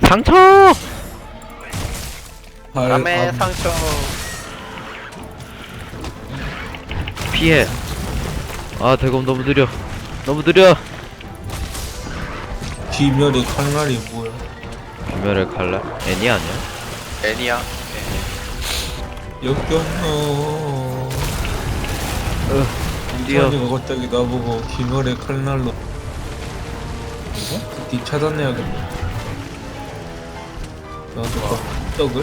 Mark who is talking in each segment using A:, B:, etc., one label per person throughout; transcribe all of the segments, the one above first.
A: 상처!
B: 밤의 상처.
A: 피해. 아, 대검 너무 느려. 너무 느려.
C: 귀멸의 칼날이 뭐야?
A: 귀멸의 칼날? 애니 아니야?
B: 애니야.
C: 역겨워.
A: 뛰어.
C: 이찬이가 갑자기 나보고 귀멸의 칼날로 뒤 차단해야겠네. 나도 떡을?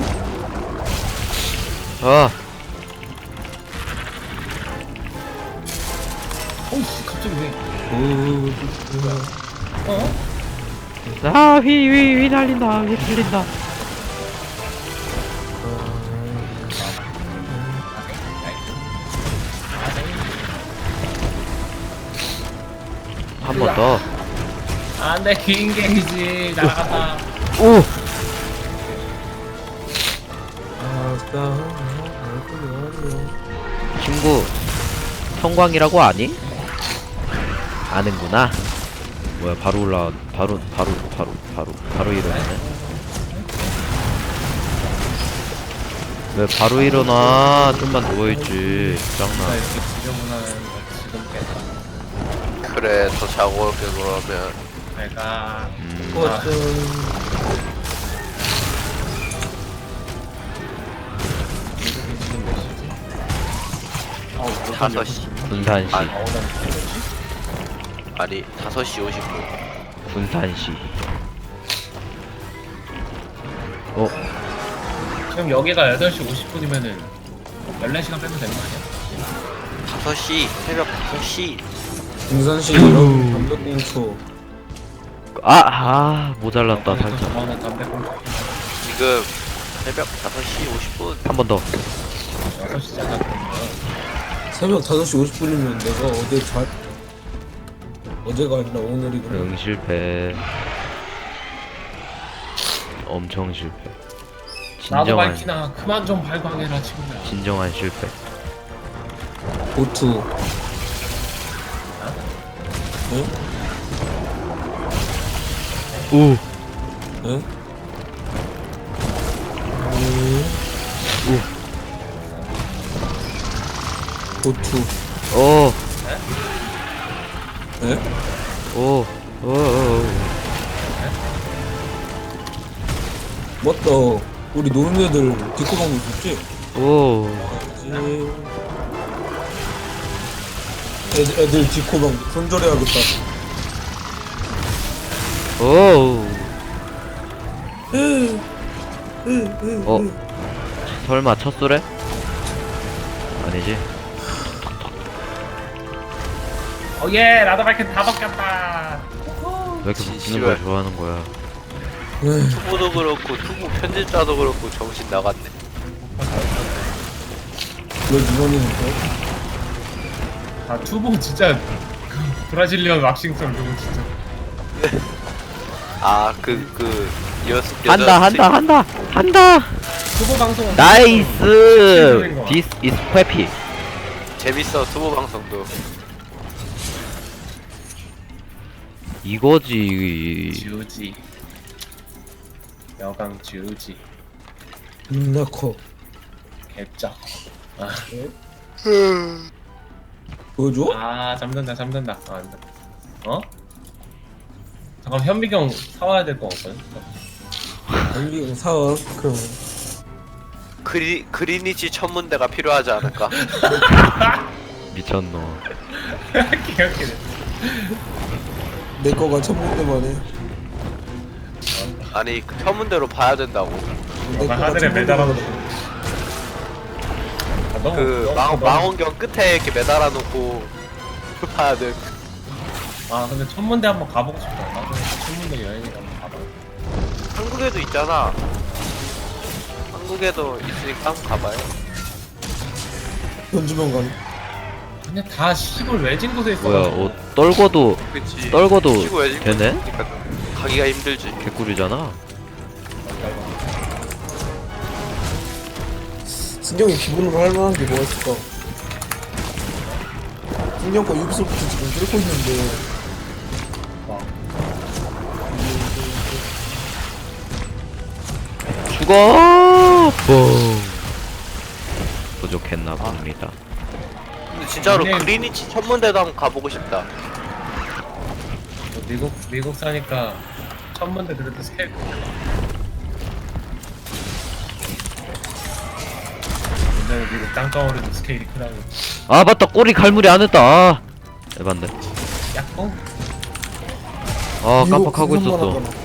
A: 아,
D: 어우씨 갑자기 왜?
A: 아, 휘 날린다. 휘 날린다. 한 번 더.
D: 안돼 긴 게이지 나간다.
A: 오! 친구, 성광이라고 아니? 아는구나. 뭐야, 바로 올라, 바로 일어나네. 왜 바로 일어나? 좀만 누워있지. 짱나.
D: 나 이렇게 지저분한 거 지금 깼다.
B: 그래, 더 자고 올게 그러면.
D: 내가 지금 몇 시지?
B: 5시.
A: 군산시.
B: 아니 5시 50분.
A: 군산시.
D: 지금 여기가 8시 50분이면은 14시간 빼면 되는 거 아니야?
B: 5시, 새벽 5시.
C: 등산시 담배꽁초.
A: 모자랐다, 살짝.
D: 저는 담배꽁초
B: 지금 새벽 5시 50분.
A: 한 번 더.
D: 6시잖아 그러면.
C: 새벽 5시 50분이면 내가 어제가 아니라 오늘이구나.
A: 응, 실패. 엄청 실패.
D: 나도
A: 진정한,
D: 밝히나 그만 좀 발광해라 친구야.
A: 진정한 실패.
C: 보투. 응?
A: 오!
C: 응? 보투.
A: 오!
C: 에?
A: 오!
C: 맞다. 우리 노는 애들 디코방도 있었지?
A: 오!
C: 애들 디코방 손절해야겠다.
A: 오! 설마 첫 소래? 아니지?
D: 어예 나도 밝힌 다 바뀌었다.
A: 왜 이렇게 웃기는 걸 좋아하는 거야?
B: 투보도 그렇고 투보 편집자도 그렇고 정신 나갔네.
C: 너 이번에는 뭐?
D: 아 투보 진짜 그 브라질리언 왁싱성 그거 진짜.
A: 한다!
D: 투보 방송
A: 나이스! This is happy.
B: 재밌어 투보 방송도.
A: 이거지.
D: 지우지 여강 지우지
C: 눈나커.
D: 개쩍.
C: 보여줘?
D: 잠든다 아 안돼. 어? 잠깐 현미경 사와야 될 거 없거든.
C: 달리 사와. 그럼
B: 그리니치 천문대가 필요하지 않을까?
A: 미쳤노.
D: 기억해.
C: 내 거가 천문대만 해.
B: 아니 그 천문대로 봐야 된다고.
C: 내
D: 나
C: 거가
D: 하늘에
C: 천문대만
D: 매달아놓고.
C: 해.
B: 그 망원경 끝에 이렇게 매달아 놓고 봐야 돼.
D: 근데 천문대 한번 가보고 싶다. 나도 천문대 여행을 한번 가봐.
B: 한국에도 있잖아. 한국에도 있으니까 한번 가봐요.
C: 현주명 간.
D: 근데 다 시골 외진 곳에 있어.
A: 뭐야, 떨궈도
B: 그치. 시고 외진
A: 되네?
B: 곳이니까 가기가 힘들지.
A: 개꿀이잖아.
C: 승경이 기본으로 할 만한 게 뭐가 있을까? 승경 거 유비소프트 지금 뚫고 있는데
A: 죽어! 뽕. 부족했나 봅니다.
B: 근데 진짜로
D: 네.
B: 그리니치 천문대도 한번 가보고 싶다.
D: 미국 사니까 천문대 그래도 스케일 근데 미국 땅덩어리도 스케일이 크다고.
A: 아 맞다, 꼬리 갈무리 안 했다. 아, 에반데.
D: 약간
A: 아
C: 미국
A: 깜빡하고
C: 생선만
A: 있었어.
C: 하잖아.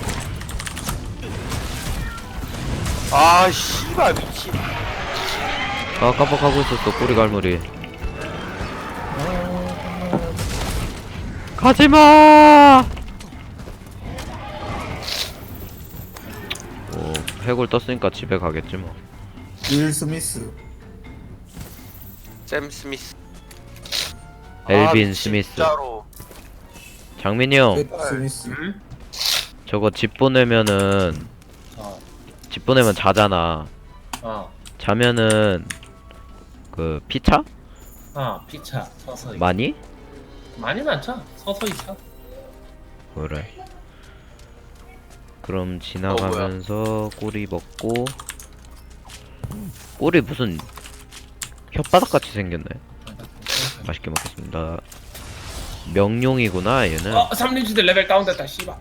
B: 아 씨발 미친.
A: 아 깜빡하고 있었어, 꼬리 갈무리. 가지마. 오, 해골 떴으니까 집에 가겠지 뭐.
C: 윌 스미스.
B: 샘 스미스.
A: 엘빈
B: 미친,
A: 스미스.
B: 진짜로.
A: 장민이 형,
C: 렛 스미스.
D: 응?
A: 저거 집 보내면은 집 보내면 자잖아. 자면은 그 피차?
D: 피차 서서히
A: 많이?
D: 많이는 안 차. 서서히 차.
A: 그래. 그럼 지나가면서 꼬리 먹고. 꼬리 무슨 혓바닥 같이 생겼네. 맛있게 먹겠습니다. 명룡이구나 얘는.
D: 삼림지대 레벨 다운됐다 씨발.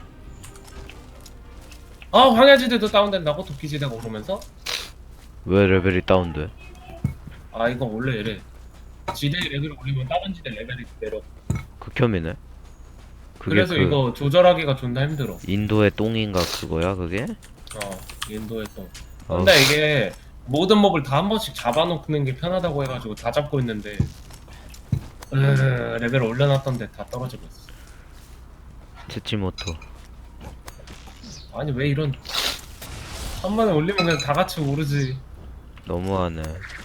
D: 황야지대도 다운된다고? 도끼지대가 오르면서?
A: 왜 레벨이 다운돼?
D: 이거 원래 이래. 지대 레벨을 올리면 다른 지대 레벨이 내려.
A: 극혐이네. 그게
D: 그래서
A: 그
D: 이거 조절하기가 존나 힘들어.
A: 인도의 똥인가 그거야 그게?
D: 인도에 또. 근데 이게 모든 몹을 다 한 번씩 잡아놓는 게 편하다고 해가지고 다 잡고 있는데 레벨 올려놨던데 다 떨어지고 있어.
A: 치치모토.
D: 아니 왜 이런 한 번에 올리면 그냥 다 같이 오르지.
A: 너무하네.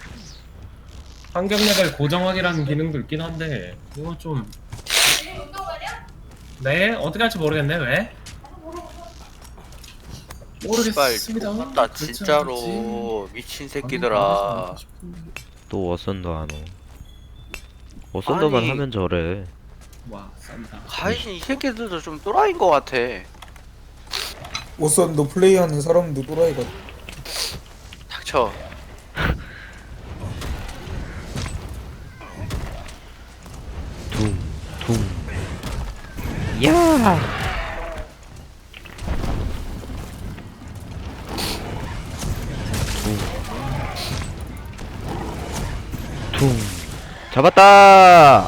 D: 환경 레벨 고정하기라는 기능도 있긴 한데 이거 좀. 네? 어떻게 할지 모르겠네. 왜? 모르겠습니다.
B: 나
D: 그렇지
B: 진짜로 미친
D: 않겠지?
B: 새끼들아.
A: 또 워선도 안 오. 워선도만
B: 아니.
A: 하면 저래.
D: 와 싼다.
B: 가이신 이 새끼들도 좀 또라이인 것 같아.
C: 오선도 플레이하는 사람도 또라이가.
B: 닥쳐.
A: 둥. 야. 둥. 잡았다.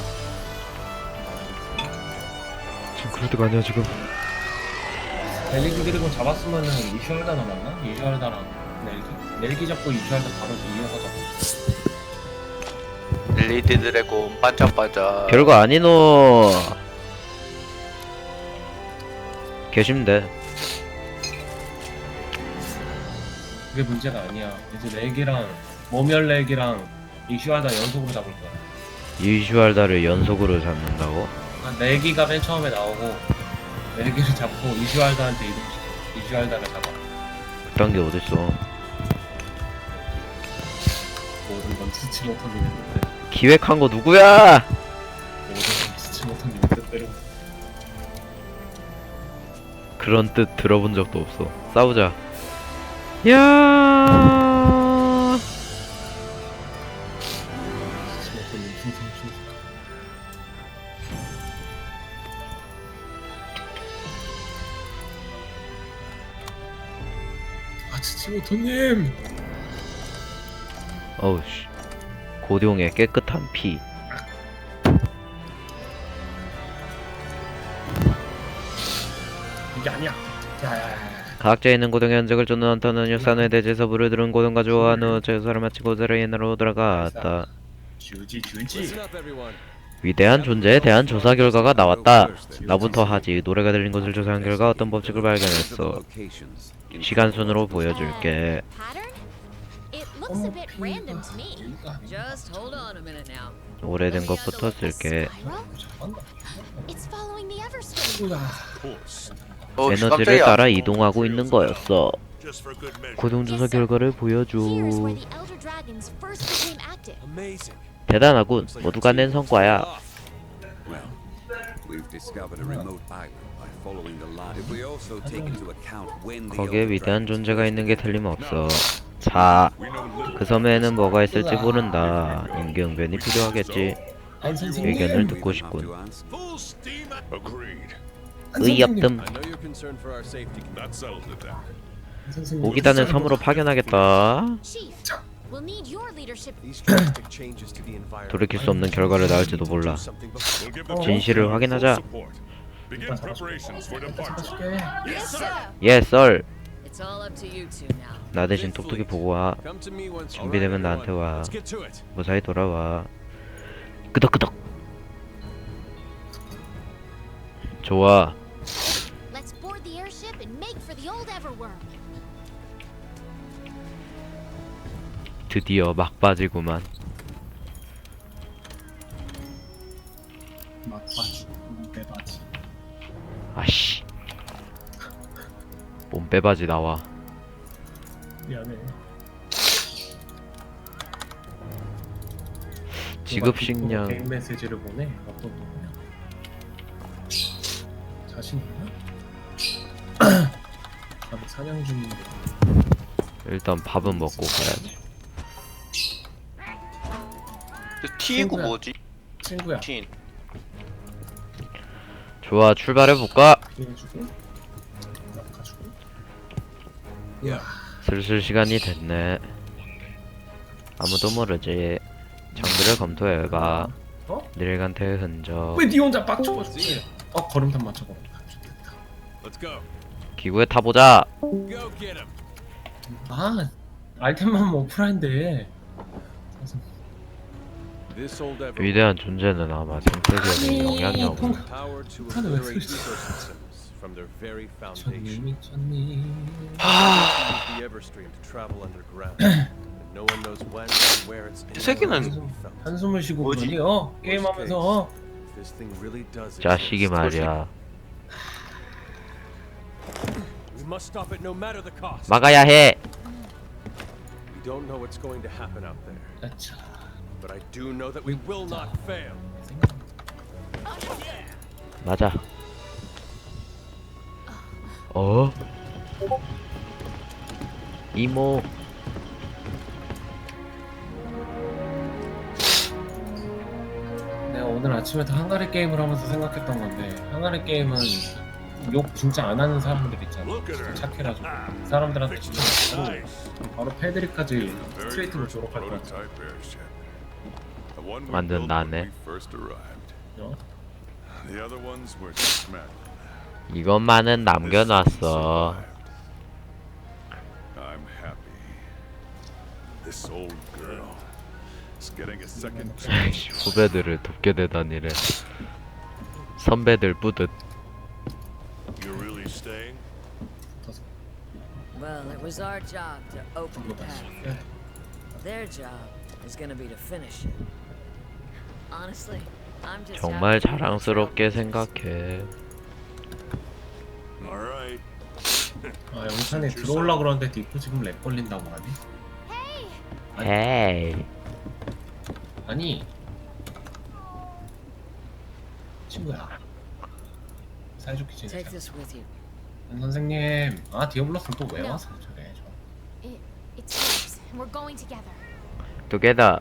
A: 지금 그럴 때가 아니야 지금.
D: 벨리기 드래곤 잡았으면은 이슈알다 남았나? 이슈알다랑 넬기 잡고 이슈알다 바로 이어서 잡고.
B: 릴리드 드래곤 반짝반짝.
A: 별거 아니노. 계시면 돼.
D: 그게 문제가 아니야. 이제 넬기랑 모멸 넬기랑 이슈알다 연속으로 잡을 거야.
A: 이슈알다를 연속으로 잡는다고?
D: 그러니까 넬기가 맨 처음에 나오고 넬기를 잡고 이슈알다한테 이동시켜. 이슈알다를 잡아.
A: 그딴 게 어딨어.
D: 모든 건 스치 못한 님의 뜻대로.
A: 기획한 거 누구야?
D: 모든 건 스치 못한 님의 뜻대로.
A: 그런 뜻 들어본 적도 없어. 싸우자. 야.
D: 스치 못한 님 충성. 스치 못한 님.
A: 어우 씨. 고룡의 깨끗한 피.
D: 이게 아니야. 야야야.
A: 각자에 있는 고등의 흔적을 쫓는 헌터는 육산의 대지에서 물을 들은 고등과 조화한 후 제사를 마치고 오자라 옛날로 돌아갔다.
D: 주지.
A: 위대한 존재에 대한 조사 결과가 나왔다. 나부터 하지. 노래가 들린 곳을 조사한 결과 어떤 법칙을 발견했어. 시간 순으로 보여줄게.
E: It looks a bit random to me. Just hold on a minute now.
A: 오래된 것부터 쓸게.
E: Spiral?
D: 잘한다.
E: It's following the Everstream.
A: 에너지를 따라 이동하고 있는 거였어. 고동 조사 결과를 보여줘.
E: Here's where the Elder Dragons first became active.
A: 대단하군. 모두가 낸 성과야.
F: we've discovered a remote island by following the line. If we also take into account when the
A: 거기에 위대한 존재가 있는 게 틀림없어. 자, 그 섬에는 뭐가 있을지 모른다. 임기응변이 필요하겠지.
D: 안 선생님.
A: 의견을 듣고 싶군.
G: Full steam agreed.
D: 안
A: 의협뜸.
G: I know you're concerned for our safety. That settles it then.
D: 선생님.
A: 모기단을 섬으로 파견하겠다.
E: Chief, we'll need your leadership.
H: These drastic changes to the environment.
A: 돌이킬 수 없는 결과를 낳을지도 몰라.
H: Something before.
G: We'll give the
A: 진실을
G: full
A: 확인하자.
G: support. Begin preparations for departure.
D: 잡아줄게.
E: Yes, sir.
A: 예, 썰.
E: It's all up to you two now.
A: 나 대신 톡톡히 보고 와.
H: Come to me once.
A: 준비되면 나한테 와.
H: Let's get to it.
A: 무사히 돌아와. 끄덕끄덕. 좋아.
E: Let's board the airship and make for the old Everworm.
A: 드디어 막바지구만.
D: 막바지. 빼바지.
A: 아씨. 몸빼바지 나와.
D: 미안해.
A: 지급식량.
D: 개인 메시지를 보내. 어떤 누구냐? 자신 있나? 아직 사냥 중인데.
A: 일단 밥은 먹고 가야지.
B: T이고
D: 친구야.
B: 뭐지?
D: 친구야.
B: T.
A: 좋아, 출발해볼까?
D: 피해주고. 가지고.
A: 슬슬 시간이 됐네. 아무도 모르지. 장비를 검토해봐.
D: 어?
A: 닐간테의 흔적.
D: 왜 니 혼자 빡쳐가지고? 걸음탄 맞춰봐. 좋겠다.
G: Let's go.
A: 기구에 타보자.
H: Go get him.
D: 아, 아이템만 오프라인데.
H: This old Everworm.
A: 위대한 존재는 아마 생태계에 영향력.
H: Power to
D: 폭탄을 왜
H: obliterate
D: 쓰지?
H: ecosystems from their very foundation.
D: 미쳤니?
H: Use the Everstream to travel underground. And no one knows when and where it's
B: 이 새끼는
H: found.
D: 한숨을 쉬고
B: 뭐지?
D: 그러니 게임하면서
H: If this thing really does
A: 자식이
H: exist,
A: 말이야.
H: we must stop it no matter the cost.
A: 막아야 해.
H: We don't know what's going to happen out there,
D: 아차.
H: but I do know that we will not fail.
A: 맞아. 어? 이모.
D: 내가 오늘 아침에도 한가리 게임을 하면서 생각했던 건데 한가리 게임은 욕 진짜 안 하는 사람들 있잖아.
G: Look at her.
D: 착해가지고 사람들한테 진짜 잘하고
G: Nice.
D: 바로 패드립까지
G: Very
D: 스트레이트로
G: first
D: 졸업할 것 같아.
G: prototype airship. The one we
A: 완전
G: built when
A: 나네.
G: we first arrived.
D: 어?
G: The other ones were dismantled.
A: 이것만은
G: This one
A: 남겨놨어.
G: survived. I'm happy. This old girl is getting a second chance.
A: 후배들을 돕게 되다니래. 선배들 뿌듯.
G: You're really staying?
I: Well, it was our job to open the path. Their job is gonna be to finish it. Honestly, I'm just
A: 정말
I: happy to
A: 자랑스럽게
I: trail
A: 생각해.
G: All right.
D: 아 영찬이 들어올라 그러는데 디프 지금 렉 걸린다고 하니?
A: 헤이.
D: 아니 친구야 사이좋게
I: Take
D: 지내자.
I: this with you.
D: 안 선생님 아 디아블로스는 또 왜 와서 저래 저.
E: It's yours, and we're going together.
A: 두개다.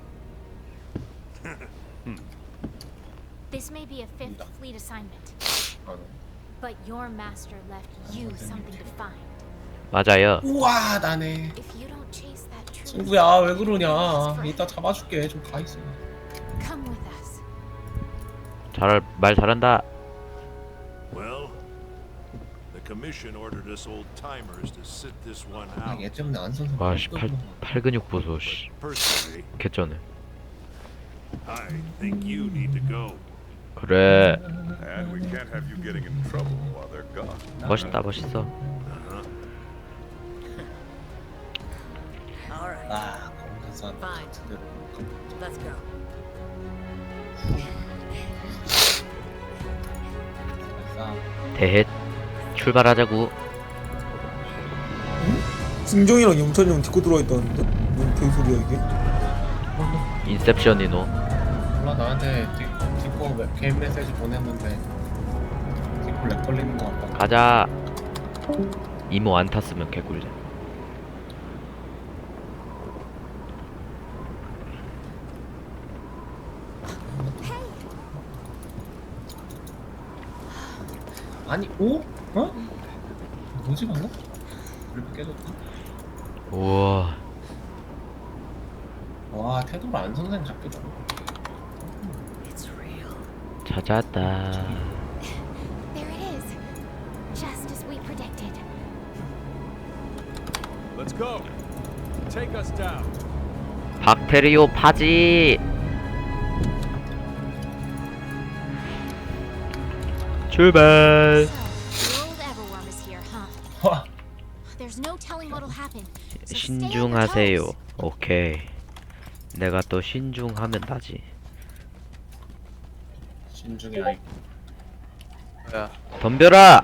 E: This may be a fifth fleet assignment, but your master left you something to find.
A: 맞아요.
D: 우와 나네.
E: If you don't chase that truth,
D: 친구야 왜 그러냐. 이따 잡아줄게. 좀 가있어.
E: come with us.
A: 말 잘한다.
G: Well, the commission ordered us old timers to sit this one out.
D: 아얘 때문에 안 선생.
A: 와씨 팔 근육 보소 씨.
G: Personally,
A: 개쩌네.
G: I think you need to go.
A: 그래.
G: And we can't have you getting in trouble while they're gone.
A: 멋있다 멋있어.
I: All right,
D: 아 검사산
I: Fine.
D: 제대로.
I: let's go.
A: 대헷. 출발하자구.
C: 승정이랑 영찬이 형 딛고 들어와 있다는데? 뭔 개소리야 이게?
A: 인셉션이노.
D: 몰라 나한테 딛고 개인 메시지 보냈는데 디콜 렉 걸리는 거 같다.
A: 가자. 이모 안 탔으면 개꿀잼.
D: 아니 오? 어? 뭐지 방금? 그래도 깨졌다.
A: 우와.
D: 와 태도가 안 선생 잡기도 하고.
I: It's real.
A: 찾았다.
E: There it is. Just as we predicted.
H: Let's go. Take us down.
A: 박테리오 파지. 출발.
E: So, the old Everworm is here, huh?
D: 와
E: There's no telling what'll happen. So stay on your
A: 신중하세요.
E: toes.
A: 오케이. 내가 또 신중하면 나지.
D: 신중해 아이.
B: 야,
A: 덤벼라.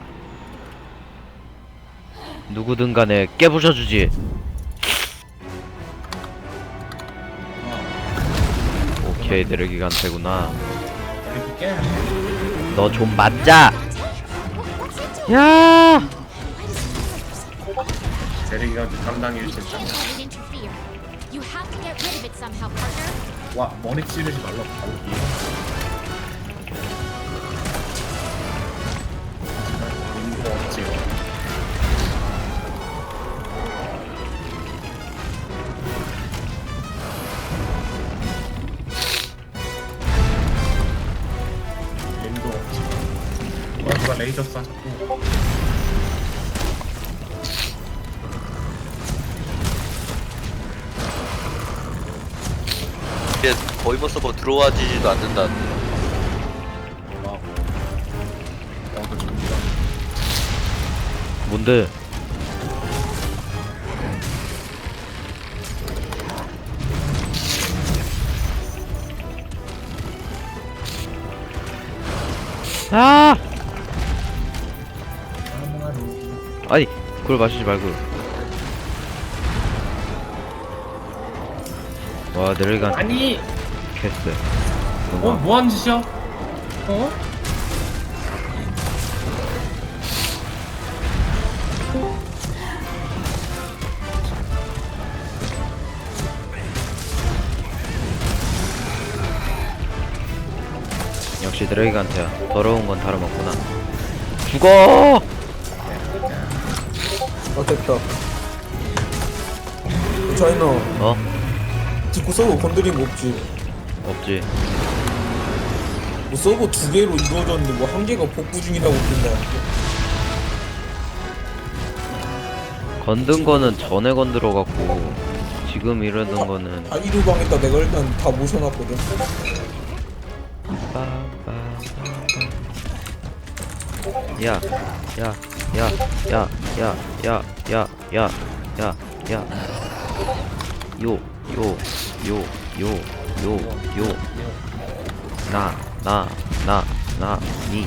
A: 누구든 간에 깨부셔주지. 오케이, 내르기간테구나.
D: 이렇게 깨.
A: 너 좀 맞자.
E: What's it doing?
A: 야.
E: Why does it look like there's
D: 제리가 담당일 수
E: You
D: 있다.
E: can't let it interfere. You have to get rid of it somehow, partner.
D: 와 머리 찌르지 말라고 바로 이해. 인도 없지요. 인도 없지. 와 누가 레이저 쏴 자꾸.
B: 이제 거의 뭐 서버 들어와지지도 않는다는데.
D: 와우. 그 좋다.
A: 뭔데? 아! 아니, 그걸 마시지 말고. 와, 내려간
D: 아니.
A: 캐스.
D: 뭐하는 짓이야?
A: 역시 드래기간테야. 더러운 건 다름없구나. 죽어!
C: 아 됐다. 자이나
A: 어?
C: 디코 서버 건드린 거 없지?
A: 없지.
C: 뭐 서버 2개로 이루어졌는데 뭐 1개가 복구 중이라고 뜬다.
A: 건든 거는 전에 건드려갖고 지금 이러는 거는
C: 다 이루방에다 내가 일단 다 모셔놨거든.
A: 야, 야, 야, 야, 야, 야, 야, 야, 야, 야, 요, 요, 요, 요, 요, 요, 니,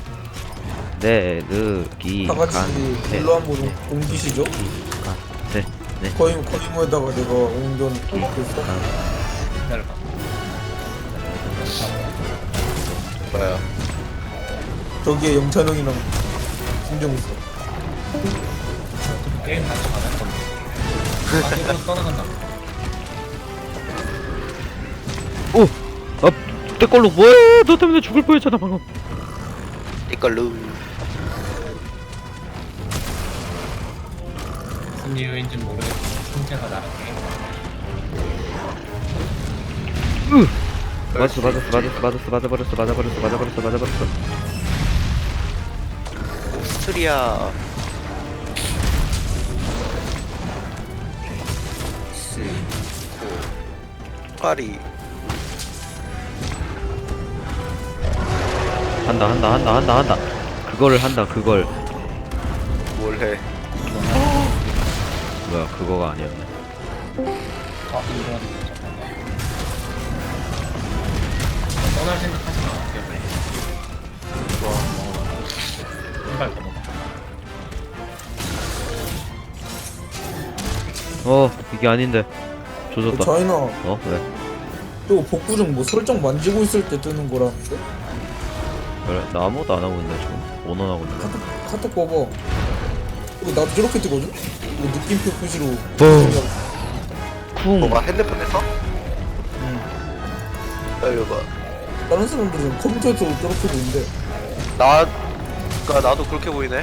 C: 다 같이
A: 내르기간테,
C: 일로 한번 옮기시죠.
A: 네,
C: 거의 뭐에다가 내가 옮겨 놓겠어.
D: 기다려봐.
B: 뭐야?
C: 저기에 영찬형이랑 김정 있어.
D: 게임 같이 가는 건데. 아, 이거 떠나간다.
A: 오! 내 걸로 뭐해? 너 때문에 죽을 뻔했잖아 방금.
B: 이걸로.
D: 무슨 이유인지는 모르겠지만 형제가 나랑 게임.
A: 맞았어.
B: 오스트리아. 파리.
A: 한다. 그거를 한다. 그걸.
B: 뭘 해?
A: 뭐야? 그거가 아니었네.
D: 아 이런 잠깐만. 떠날 생각하지 마. 좋아 먹어봐. 한발 더 먹어.
A: 이게 아닌데. 조졌다.
C: 자이나
A: 왜?
C: 또 복구 중 뭐 설정 만지고 있을 때 뜨는 거라는데?
A: 그래 나 아무것도 안 하고 있네 지금. 원원하고 있네.
C: 카톡 봐봐. 이거 나도 저렇게 뜨거든? 이거 느낌표 표시로.
A: 쿵.
B: 뭐가 핸드폰에서? 기다려봐.
C: 다른 사람들은 컴퓨터에서 저렇게 보는데.
B: 나도 그렇게 보이네.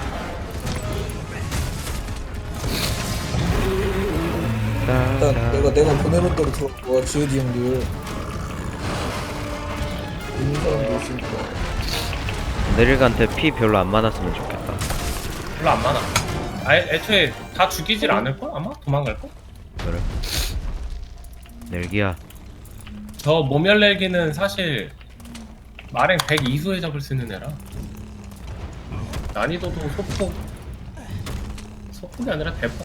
C: 일단 내가 보내는 대로 들어와 GOD 형들. 있는 사람도 있으니까.
A: 내릴한테 피 별로 안 많았으면 좋겠다.
D: 별로 안 많아. 애초에 다 죽이질 않을걸? 아마? 도망갈걸?
A: 그래. 넬기야.
D: 저 모멸 넬기는 사실 마랭 102수에 잡을 수 있는 애라 난이도도 소폭이 아니라 대폭